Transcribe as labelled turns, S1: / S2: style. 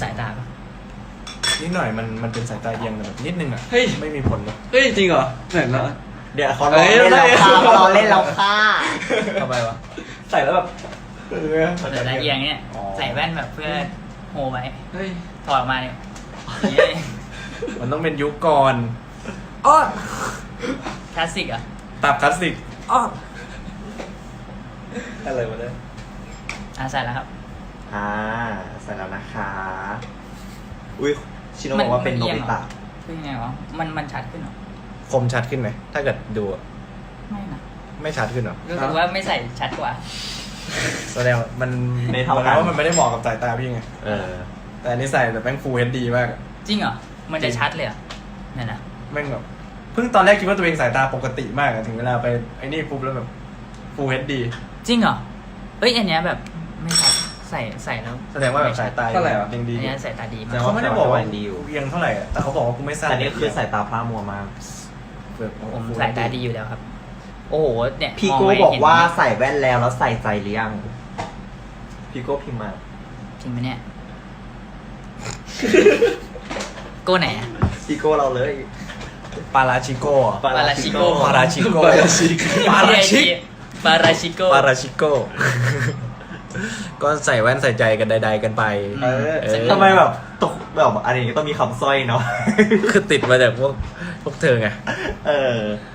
S1: ายตาปะ
S2: นิดหน่อยมันเป็นสายตาเอียงแบบนิดนึงอ่ะ
S3: เฮ้ย
S2: ไม่มีผลเลย
S3: เฮ้ยจริงเหรอไหนแล้ว
S4: เดี๋ยวเขารอเล่นเราค่ะเขารอเล่นเราค่ะ
S3: ทำไมวะใส่แล้วแบบ
S1: สายตาเอียงเนี่ยใส่แว่นแบบเพื่อโฮไว้
S3: เฮ้ย
S1: ถอดออกมาเนี่ยนี่
S2: มันต้องเป็นยุคก่อนอ้อ
S1: คลาสสิกอ่ะ
S2: ตับคลาสสิกอ้อ
S3: อะไรวะเนี่ย
S1: ใส่แล้วครับ
S4: ใส่แล้วนะคะอุ้ยชิโนะบอกว่าเป็นโนบิตะ
S1: คือยังไงวะมันชัดขึ้นเหรอ
S2: คมชัดขึ้นไหมถ้าเกิดดูอะ
S1: ไม่นะ
S2: ไม่ชัดขึ้นเหรอ
S1: รู้สึกว่าไม่ใส่ชัดกว่า
S2: แสดงว่ามัน
S4: ไม่เท่ากัน
S2: แสดงว่ามันไม่ได้เหมาะกับสายตาพี่ไง
S4: เออ
S2: แต่อันนี้ใส่แบบแม่งฟูล HD มากอะ
S1: จริงเหรอมันจะชัดเลยเหรอเนี่ยนะ
S2: แม่งแบบเพิ่งตอนแรกคิดว่าตัวเองสายตาปกติมากอะถึงเวลาไปไอ้นี่ปุ๊บแล้วแบบฟูล HD
S1: จริงเหรอเอ้ยอันเนี้ยแบบไม่ชัดใส่แล้ว
S2: แสดงว่าแบบสายตายังดี
S1: อัน
S2: อยู่
S1: เนี้ยสายตาดีมา
S4: แสด
S1: ก
S4: ง
S2: เขาไม่ได้บอกว่า
S4: ดีอยู่
S2: เอียงเท่าไหร่อะแต่เขาบอกว่ากูไม่สั้น
S4: แต่นี่คือสายตาพร่ามัวมาก
S2: แบบโอ้โห
S1: ผม
S2: Full
S1: สายตา
S2: HD
S1: ดีอยู่แล้วครับ โอ้โหเนี่ย
S4: พี่
S1: มง
S4: โก้
S1: ไป
S4: บอก
S1: เห็น
S4: ว่าใส่แว่นแล้วใส่ใจหรือยังพี่โก้พิมพ์มา
S1: จริงไหมเนี่ยโก้ไหนอะ
S4: พี่โก้เราเลย
S2: ปาราชิโก้อะ
S1: ปาราชิโก้
S2: ปาราชิโก้
S3: ปาราชิโก้
S2: ปาราชิ
S1: ปาราชิโก้
S2: ปาราชิโก้ ก็ใส่แว่นใส่ใจกันใดๆกันไป
S4: เออ
S2: เออ
S4: ทำไมแบบตกแบบอันนี้ต้องมีคำสร้อยเนาะ
S2: คือติดมาจากพวกเธอไง
S4: เออ